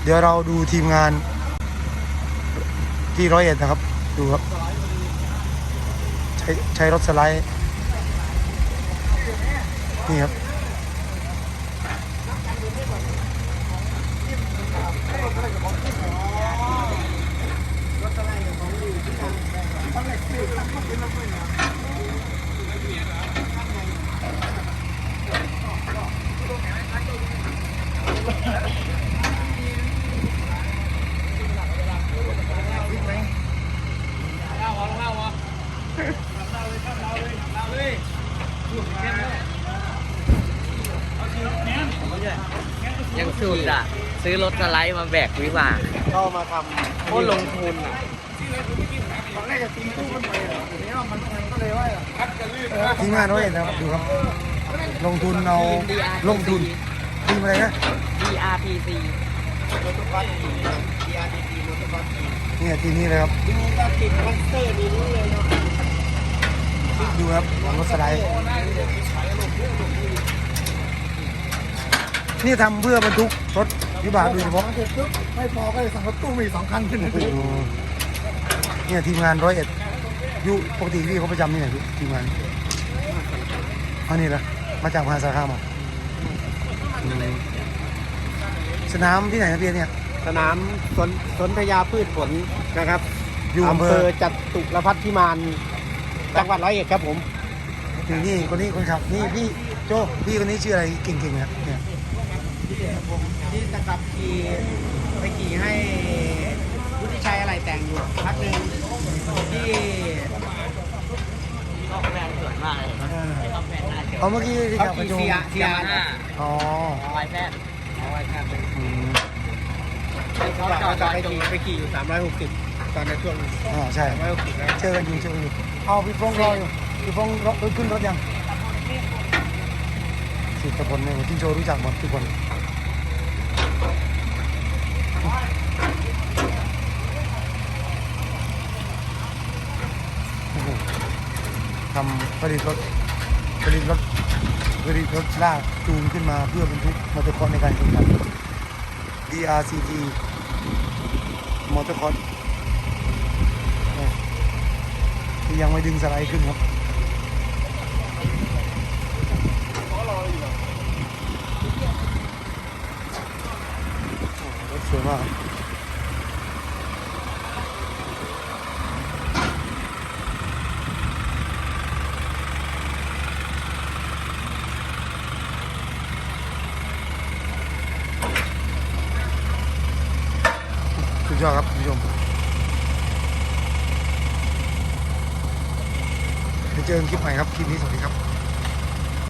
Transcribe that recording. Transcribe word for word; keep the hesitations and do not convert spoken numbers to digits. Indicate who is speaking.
Speaker 1: เดี๋ยวเราดูทีมงานที่ร้อยเอ็ดนะครับดูครับใช้ใช้รถสไลด์นี่ครับ
Speaker 2: ยังสุดอ่ะซื้อรถสไลด์มาแบกวิบาก
Speaker 1: ก็มาทำ
Speaker 2: โคตรลงทุนอ่ะ
Speaker 1: ตอนแรกจะตีตู้กันไปทีนี้มันก็เลยว่าทีมงานร้อยเอ็ดนะครับดูครับลงทุนเอาลงทุนทีมอะไรนะ
Speaker 2: ดี อาร์ พี ซี
Speaker 1: มอเตอร์บัส ดี อาร์ พี ซี มอเตอร์บัสเนี่ยทีนี้เลยครับดูการติดคอนเตอร์นี่รู้เลยเนาะดูครับรถสไลด์นี่ทำเพื่อบรรทุกรถวิบากโดยเฉพาะไม่พอก็เลยสั่งรถตู้มีสองคันขึ้นเนี่ยทีมงานร้อยเอ็ดอยู่ปกติพี่เขาประจำที่ไหนพี่ทีมงานอันนี้เหรอมาจากมหาสารคามอ่ะสนามที่ไหนนะพี่เนี่ย
Speaker 3: สนามสนสนพญาพืชผลนะครับ
Speaker 1: อยู่อำ
Speaker 3: อำ
Speaker 1: เภ
Speaker 3: เภ
Speaker 1: อ
Speaker 3: อจตุรพัฒน์พิมานจังหวัดร้อยเอ็ดครับผม
Speaker 1: นี่นี่คนนี้คนขับนี่พี่โจพี่คนนี้ชื่ออะไรเก่งๆนะเนี่ย
Speaker 3: ที่จะกลับขี่ไปขี่ให้วุฒิชัยอะไรแต่งอยู่พักหนึ่งที่
Speaker 2: ออกแบรนด์สวยมากเลยออกแบรนด์น่าเชื่อ
Speaker 1: เอาเมื่อกี้ที่
Speaker 3: เขา
Speaker 1: ขับกระ
Speaker 3: ขี่
Speaker 1: โจม
Speaker 3: เซียเซียนะ
Speaker 1: อ๋อ
Speaker 2: ไวแพทย์
Speaker 3: เอาไว้ครับ
Speaker 1: อืม
Speaker 3: เขาจอดไปขี่ไปขี่อยู่สามร้อยหกสิบตอนในช่วง
Speaker 1: อ่าใช่
Speaker 3: สามร้อยหกสิบนะ
Speaker 1: เจอกันอยู่เจอกันอยู่เอาพี่ฟงรออยู่พี่ฟงรถขึ้นรถยังสิบตะพลเนี่ยจินโจรู้จักหมดทุกคนโอ้โหทำผลิตรถผลิตรถผลิตรถลากจูงขึ้นมาเพื่อบรรทุกมอเตอร์คอร์สในการแข่งขัน ดี อาร์ ซี ที มอเตอร์คอร์สที่ยังไม่ดึงสไลด์ขึ้นครับรถสวยมากสุดยอดครับคุณผู้ชมเดี๋ยวเจอกันคลิปใหม่ครับ คลิปนี้สวัสดีครับ